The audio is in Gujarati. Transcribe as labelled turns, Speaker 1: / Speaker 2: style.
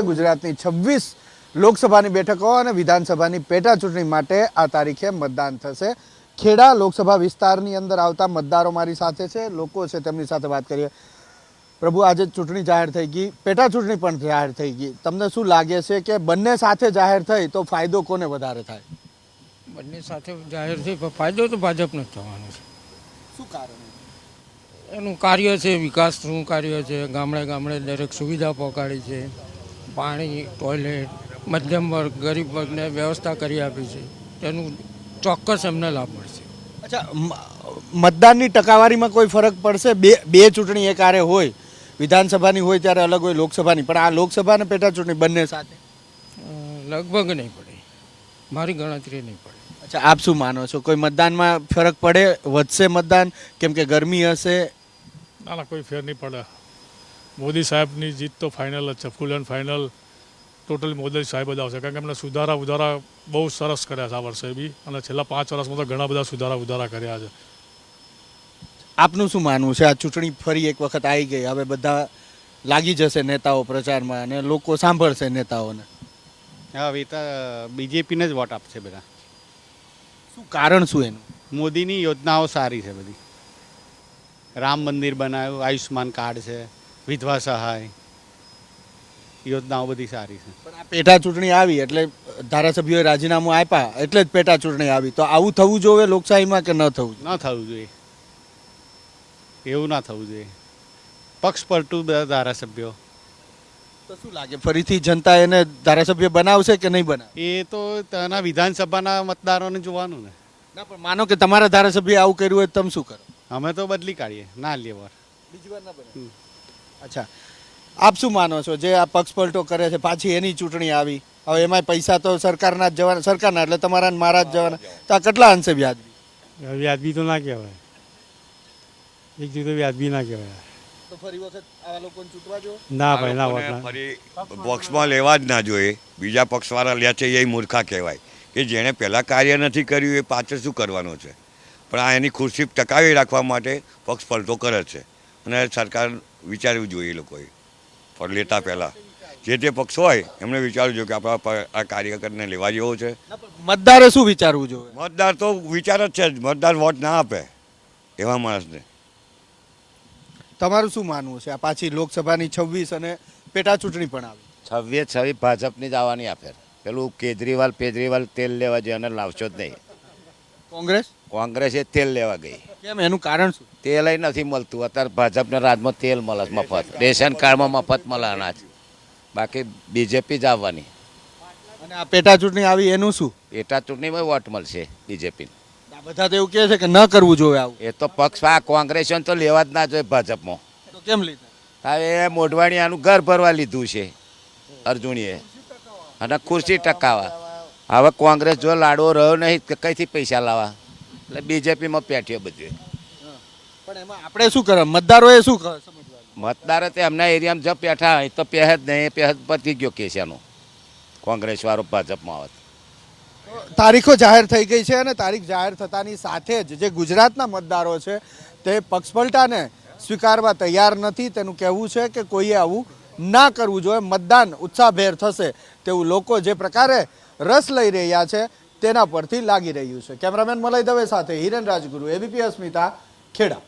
Speaker 1: ગુજરાતની 26 લોકસભાની બેઠકો અને વિધાનસભાની પેટા ચૂંટણી માટે આ તારીખે મતદાન થશે। ખેડા લોકસભા વિસ્તારની અંદર આવતા મતદારો મારી સાથે છે, લોકો છે, તેમની સાથે વાત કરીએ। પ્રભુ, આજે ચૂંટણી જાહેર થઈ ગઈ, પેટા ચૂંટણી પણ જાહેર થઈ ગઈ, તમને શું લાગે છે કે બંને સાથે જાહેર થઈ તો ફાયદો કોને વધારે થાય?
Speaker 2: બંને સાથે જાહેર થઈ પણ ફાયદો તો ભાજપને જ થવાનો છે।
Speaker 1: શું કારણ?
Speaker 2: એનું કાર્ય છે, વિકાસનું કાર્ય છે, ગામડે ગામડે દરેક સુવિધા પહોંચાડી છે, પાણી, ટોયલેટ, મધ્યમ વર્ગ, ગરીબ વર્ગને વ્યવસ્થા કરી આપી છે, તેનું ચોક્કસ એમને લાભ મળશે।
Speaker 1: અચ્છા, મતદાનની ટકાવારીમાં કોઈ ફરક પડશે? બે ચૂંટણી એક આરે હોય, વિધાનસભાની હોય ત્યારે અલગ હોય લોકસભાની, પણ આ લોકસભા અને પેટા ચૂંટણી બંને સાથે
Speaker 2: લગભગ નહીં પડે, મારી ગણતરી નહીં પડે।
Speaker 1: અચ્છા, આપ શું માનો છો? કોઈ મતદાનમાં ફરક પડે? વધશે મતદાન કેમ કે ગરમી હશે?
Speaker 3: ના, કોઈ ફેર નહીં પડે। મોદી સાહેબની જીત તો ફાઇનલ જ છે, full and final total Modi સાહેબ જ આવશે, કારણ કે એમને સુધારા બહુ સરસ કર્યા છે આ વર્ષે બી, અને છેલ્લા 5 વર્ષમાં તો ઘણા બધા સુધારા કર્યા છે।
Speaker 1: આપનું શું માનવું છે? આ ચૂંટણી ફરી એક વખત આવી ગઈ, હવે બધા લાગી જશે નેતાઓ પ્રચારમાં અને લોકો સાંભળશે નેતાઓને।
Speaker 4: હવે તો બીજેપીને જ વોટ આપશે બધા।
Speaker 1: શું કારણ શું એનું?
Speaker 4: મોદીની યોજનાઓ સારી છે બધી, રામ મંદિર બનાવ્યું, આયુષ્માન કાર્ડ છે, વિધવા સહાય, યોજનાઓ બધી સારી છે।
Speaker 1: પણ આ પેટા ચૂંટણી આવી એટલે ધારાસભ્યોએ રાજીનામું આપ્યા એટલે જ પેટા ચૂંટણી આવી, તો આવું થવું જોઈએ લોકશાહીમાં કે ન થવું જોઈએ?
Speaker 4: ન થવું જોઈએ, એવું ના થવું જોઈએ। પક્ષ પલટું બધા ધારાસભ્યો,
Speaker 1: તો શું લાગે ફરીથી જનતા એને ધારાસભ્ય બનાવશે કે નહીં બનાવે?
Speaker 4: એ તો તેના વિધાનસભાના મતદારોને જોવાનું ને।
Speaker 1: ના, પણ માનો કે તમારા ધારાસભ્ય આવું કર્યું હોય તમે શું કરો?
Speaker 4: અમે તો બદલી કાઢીએ, ના લે વાર,
Speaker 1: બીજી વાર ના બને। અચ્છા, આપ શું માનો છો? જે આ પક્ષ પલટો કરે છે, પાછી એની ચૂંટણી આવી, હવે એમાં પૈસા તો સરકારના જ જવાના, સરકારના એટલે તમારા ને મારા જ જવાના, તો આ કેટલા અંશે વ્યાજબી?
Speaker 5: વ્યાજબી તો ના કહેવાય, એક રીતે વ્યાજબી ના કહેવાય।
Speaker 1: તો ફરી વખત આવા લોકોને ચૂંટવા જો?
Speaker 5: ના ભાઈ, ના
Speaker 6: લોકોને
Speaker 5: વોટ
Speaker 6: ફરી પક્ષમાં લેવા જ ના જોઈએ। બીજા પક્ષવાળા લે છે એ મૂર્ખા કહેવાય, કે જેણે પહેલાં કાર્ય નથી કર્યું એ પાછળ શું કરવાનું છે? પણ આ એની ખુરશી ટકાવી રાખવા માટે પક્ષ પલટો કરે છે, અને સરકાર વિચારવું જોઈએ લોકોએ પણ લેતા પહેલાં જે તે પક્ષ હોય એમણે વિચારવું જોઈએ કે આપણા આ કાર્યકરને લેવા જેવો છે।
Speaker 1: મતદારે શું વિચારવું જોઈએ?
Speaker 6: મતદાર તો વિચાર જ છે જ, મતદાર વોટ ના આપે એવા માણસને।
Speaker 1: તમારું શું માનવું છે? આ પાછી લોકસભાની 26 અને પેટા ચૂંટણી પણ આવી,
Speaker 7: 26 ભાજપની જ આવવાની આ ફેર। પેલું કેજરીવાલ તેલ લેવા જાય અને લાવશો જ નહીં। કોંગ્રેસે તેલ લેવા ગઈ,
Speaker 1: કેમ? એનું કારણ શું?
Speaker 7: તેલ નથી મળતું અત્યારે। ભાજપના રાજમાં તેલ મળે મફત, રેશન કાર્ડમાં મફત મળે અનાજ, બાકી બીજેપી જ આવવાની।
Speaker 1: અને આ પેટા ચૂંટણી આવી એનું શું?
Speaker 7: પેટા ચૂંટણીમાં વોટ મળશે બીજેપી।
Speaker 1: બધા તો એવું કહે છે કે ન કરવું જોઈએ આવું,
Speaker 7: એ તો પક્ષ આ કોંગ્રેસને તો લેવા જ ના જોઈએ ભાજપમાં।
Speaker 1: તો કેમ લીધા?
Speaker 7: હવે મોઢવાણી આનું ઘર ભરવા લીધું છે અર્જુનીએ, અને ખુરશી ટકાવા। હવે કોંગ્રેસ જો લાડવો રહ્યો નહીં કે કઈથી પૈસા લાવવા, એટલે બીજેપીમાં પેઠ્યો બધું।
Speaker 1: પણ એમાં આપણે શું કરે? મતદારોએ શું સમજવાનું?
Speaker 7: મતદારો તે એમના એરિયામાં જો પેઠા હોય તો પહે જ નહીં, પહે પતી ગયો કેસ એનો, કોંગ્રેસ વાળો ભાજપમાં આવે।
Speaker 1: તારીખો જાહેર થઈ ગઈ છે અને તારીખ જાહેર થતાની સાથે જ જે ગુજરાતના મતદારો છે તે પક્ષપલટાને સ્વીકારવા તૈયાર નથી। તેનું કહેવું છે કે કોઈએ આવું ના કરવું જોઈએ, મતદાન ઉત્સાહભેર થશે તેવું લોકો જે પ્રકારે રસ લઈ રહ્યા છે તેના પરથી લાગી રહ્યું છે। કેમેરામેન મલય દવે સાથે હિરેન રાજગુરુ, એબીપી અસ્મિતા, ખેડા।